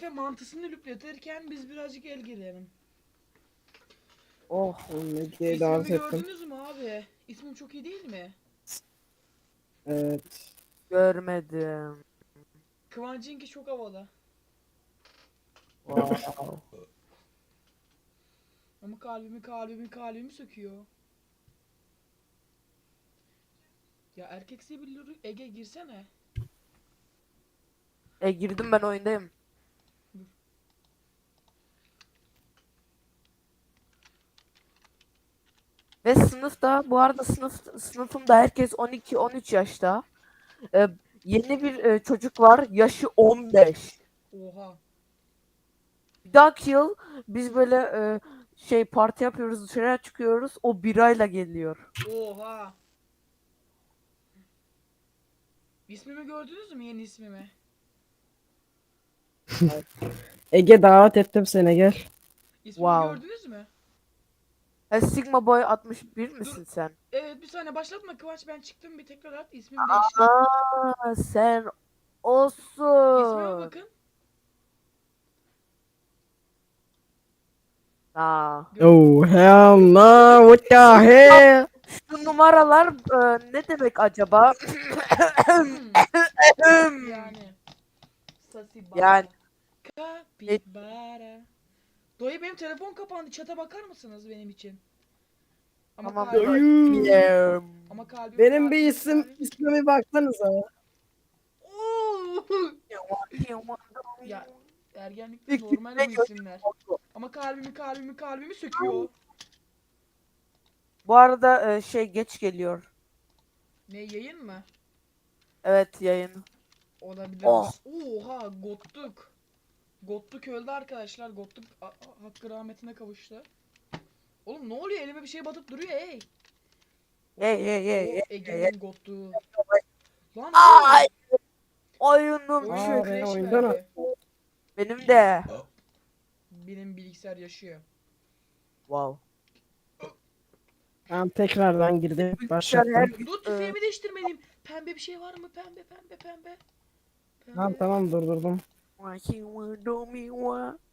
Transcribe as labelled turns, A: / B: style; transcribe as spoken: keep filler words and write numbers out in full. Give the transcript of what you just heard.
A: Efe mantısını lüpletirken biz birazcık el girelim.
B: Oh, Ege'ye
A: İsmimi
B: davet ettim.
A: gördünüz mü abi? İsmim çok iyi değil mi?
B: Evet.
C: Görmedim.
A: Kıvancınki çok havalı.
C: Wow.
A: Ama kalbimi kalbimi kalbimi söküyor. Ya erkeksi bir lürü- Ege girsene.
C: E girdim, ben oyundayım.
A: Dur.
C: Ve sınıfta, bu arada sınıf sınıfımda herkes on iki on üç yaşta. E, yeni bir e, çocuk var, yaşı on beş.
A: Oha.
C: Bir dahaki yıl biz böyle e, şey parti yapıyoruz, dışarıya çıkıyoruz. O birayla geliyor.
A: Oha. İsmimi gördünüz mü, yeni ismimi?
B: Ege davet ettim seni, gel.
A: İsmimi
C: Wow.
A: gördünüz mü?
C: E, Sigma Boy altmış bir misin sen?
A: Evet, bir saniye başlatma Kıvanç, ben çıktım, bir tekrar at, ismim değişti.
C: Aa, sen
A: İsmime
C: olsun.
A: bakın.
C: Aa.
B: Oh hell no, what the hell?
C: Şu numaralar e, ne demek acaba?
A: Hmm, yani. Sasi bara.
C: Yani.
A: Kapibara. Doyu, benim telefon kapandı. Çata bakar mısınız benim için? Ama
C: Tamam,
A: kalbim,
C: bakayım.
A: ama kalbim
B: Benim bir
A: kalbim
B: isim,
A: kalbim.
B: ismime baksanıza.
A: Oo! Ya ergenlikte
C: Bir
A: normal
C: küçük
A: bu isimler. Ama kalbimi kalbimi kalbimi söküyor.
C: Bu arada e, şey geç geliyor.
A: Ne, yayın mı?
C: Evet, yayın.
A: Olabilir.
C: Oh.
A: Ba- Oha, Gottuk. Gottuk öldü arkadaşlar. Gottuk a- a- hakkı rahmetine kavuştu. Oğlum ne oluyor? Elime bir şey batıp duruyor, hey.
C: Hey hey hey
A: O
C: hey, hey.
A: Ege'nin Gottuğu. Lan
C: Ay,
A: oğlum.
C: oyunum
A: Oyun
B: Aa,
C: çöktü.
B: beni
A: crash
B: oyundan
A: verdi.
C: Benim de.
A: Benim bilgisayar yaşıyor.
C: Wow.
B: Ben tekrardan girdim,
C: Bilgisayar her
B: başlattım.
C: gün
A: Dur,
C: e,
A: tüfeğimi değiştirmeliyim. Pembe bir şey var mı? Pembe pembe pembe.
B: Tamam
A: Pembe.
B: tamam, durdurdum.
C: Why you wanna do me what?